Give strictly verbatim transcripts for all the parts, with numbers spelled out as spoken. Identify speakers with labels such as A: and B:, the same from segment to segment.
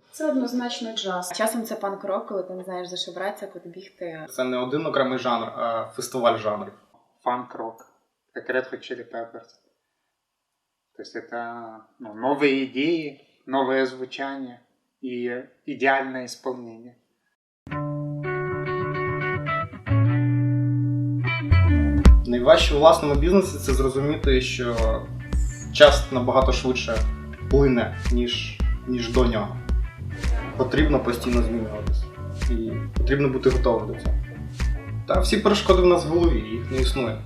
A: Це однозначно джаз.
B: Часом це панк-рок, коли ти не знаєш, за що братися, куди бігти.
C: Це не один окремий жанр, а фестиваль жанрів.
D: Фанк-рок, как Red Hot Chili Peppers. То есть это ну, новые идеи, новое звучание и идеальное исполнение.
C: Найважче у власному бізнесі – це зрозуміти, що час набагато швидше плине, ніж, ніж до нього. Потрібно постійно змінюватися. І потрібно бути готовим до цього. Та всі перешкоди в нас в голові, їх не існує.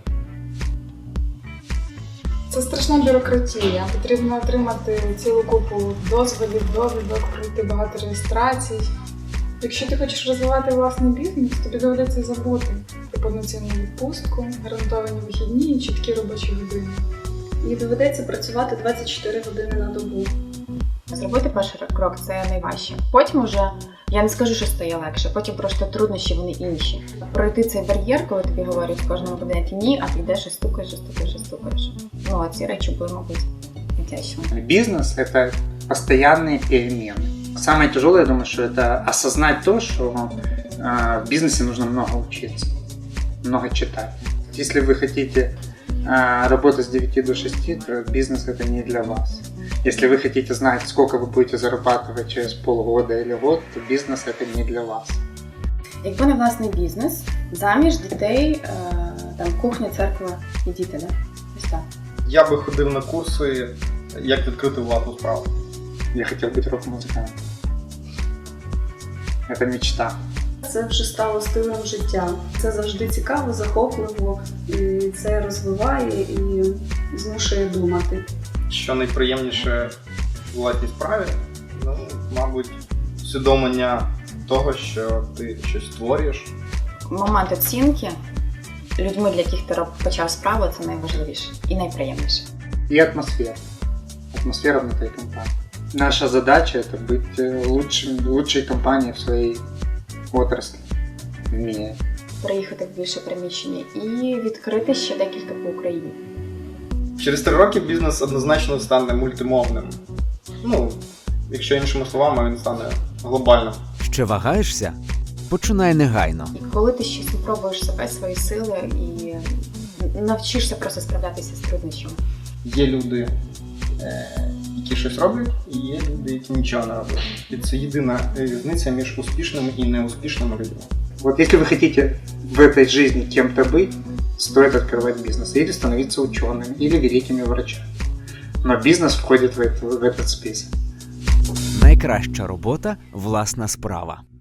A: Це страшна бюрократія. Потрібно отримати цілу купу дозволів, довідок, пройти багато реєстрацій. Якщо ти хочеш розвивати власний бізнес, тобі доведеться забути про повноцінну відпустку, гарантовані вихідні і чіткі робочі години.
E: І доведеться працювати двадцять чотири години на добу.
B: Зробити перший крок – це найважче. Потім уже, я не скажу, що стає легше, потім просто труднощі, вони інші. Пройти цей бар'єр, коли тобі говорять в кожному кабінеті ні, а ти йдеш і стукаєш, і стукаєш, і стукаєш. Ну, ці речі були, мабуть, найтяжчими.
D: Бизнес – это постоянные перемены. Самое тяжелое, я думаю, что это осознать то, что э, в бизнесе нужно много учиться, много читать. Если вы хотите э, работать с девяти до шести, то бизнес – это не для вас. Если вы хотите знать, сколько вы будете зарабатывать через полгода или год, то бизнес – это не для вас.
B: Якби не власний бізнес, заміж, дітей, е, там, кухня, церква і діти, да? Ось так.
C: Я би ходив на курси, як відкрити власну справу.
D: Я хотел быть рок-музыкантом. Это мечта.
E: Це вже стало стилем життя. Це завжди цікаво, захопливо, і це розвиває і змушує думати.
C: Що найприємніше в власній справі, ну, мабуть, усвідомлення того, що ти щось створюєш.
B: Момент оцінки людьми, для яких ти почав справу, це найважливіше і найприємніше.
D: И атмосфера. Атмосфера внутри компании. Наша задача – это быть лучшим, лучшей компанией в своей отрасли в мире.
B: Приїхати в більше приміщення і відкрити ще декілька по Україні.
C: Через три роки бізнес однозначно стане мультимовним. Ну, якщо іншими словами, він стане глобальним.
F: Ще вагаєшся? Починай негайно.
B: І коли ти ще спробуєш себе, свої сили і навчишся просто справлятися з труднощами.
C: Є люди, які щось роблять, і є люди, які нічого не роблять. І це єдина різниця між успішними і неуспішними людьми.
D: Вот если вы хотите в этой жизни кем-то быть, стоит открывать бизнес или становиться ученым, или великими врачами. Но бизнес входит в, это, в этот список.
F: Найкраща робота – власна справа.